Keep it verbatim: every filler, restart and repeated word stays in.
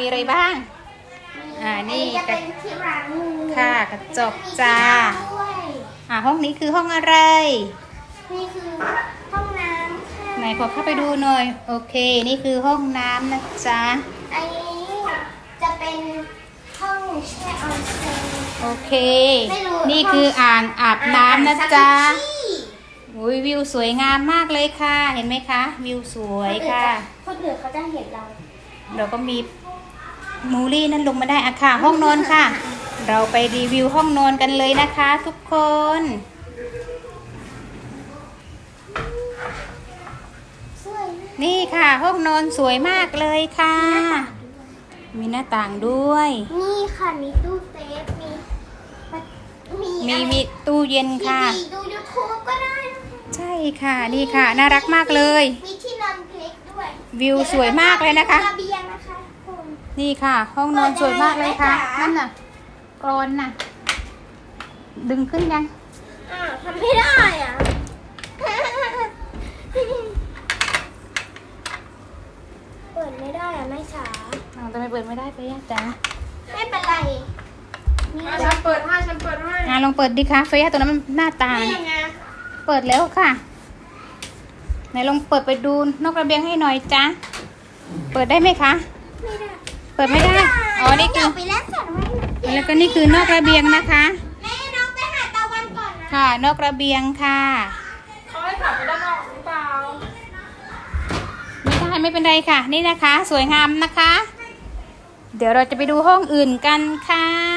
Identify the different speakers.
Speaker 1: มีอะไรบ้างอ่านี่
Speaker 2: จะเป็นที่ล้างมือ
Speaker 1: ค่ะกระจกจ้าอ่าห้องนี้คือห้องอะไร
Speaker 2: นี่คือห้องน้ำค่ะ
Speaker 1: ไหนขอเข้าไปดูหน่อยโอเคนี่คือห้องน้ำนะจ๊ะ
Speaker 2: อันนี้จะเป็นห้องแช่ออนเซ็น
Speaker 1: โอเค
Speaker 2: ไม่รู้
Speaker 1: นี่คืออ่างอาบน้ำนะจ๊ะ
Speaker 2: อ่างซักขี้
Speaker 1: อุ้ยวิวสวยงามมากเลยค่ะเห็นไหมคะวิวสวยค่ะ
Speaker 2: คนอื่นเขาจะเห็นเรา
Speaker 1: เราก็มีมูลี่นั่นลงมาได้อะค่ะห้องนอนค่ะ เราไปรีวิวห้องนอนกันเลยนะคะ ทุกคน
Speaker 2: สวยมาก
Speaker 1: นี่ค่ะ ห้องนอนสวยมากเลยค่ะ มีหน้าต่างด้วย
Speaker 2: นี่ค่ะมีตู้เซฟมีมี
Speaker 1: มี
Speaker 2: อะไร
Speaker 1: มีตู้เย็น
Speaker 2: ที
Speaker 1: ค่ะ
Speaker 2: วีดูยูทูบก็ได้นะคะ
Speaker 1: ใช่ค่ะนี่ค่ะน่ารักมากเลย
Speaker 2: มีที่นอนเล็กด้วย
Speaker 1: วิวสวยมากเลยนะคะ
Speaker 2: ระเบียงนะคะคุณ
Speaker 1: นี่ค่ะ ห้องนอนสวยมากเลยค่ะ
Speaker 2: เปิดได้ไหมจ๊ะ
Speaker 1: นั่นน่ะกรอนน่ะ ดึงขึ้นยัง
Speaker 2: อ้าวทำไม่ได้อ่ะ เปิดไม่ได้อ่ะแม่จ๋า
Speaker 1: อ้าวทำไมเปิดไม่ได้ไปย่าจ๊ะ
Speaker 2: ไม่เป็นไรนี่
Speaker 3: อ่ะฉันเปิดให้ฉันเปิดให้
Speaker 1: งานลองเปิดดิคะเฟย่าตัวนั้นมันหน้าต่าง
Speaker 3: นี่ไง
Speaker 1: เปิดแล้วค่ะไหนลองเปิดไปดูนอกระเบียงให้หน่อยจ้ะเปิดได้ไหมคะ
Speaker 2: ไม่ได้
Speaker 1: เปิดไม่ได้อ๋อนี่คือ
Speaker 2: ไปแล้วสระว่ายน้ำ
Speaker 1: แล้วก็นี่คือนอกระเบียงนะคะ
Speaker 2: แม่น้องไปหาตะวันก่อนนะ
Speaker 1: ค่ะ นอกระเบียงค่ะ
Speaker 3: เขาให้ขับไปด้านนอกหรือเปล่า
Speaker 1: ไม่ได้ไม่เป็นไรค่ะ นี่นะคะ สวยงามนะคะ เดี๋ยวเราจะไปดูห้องอื่นกันค่ะ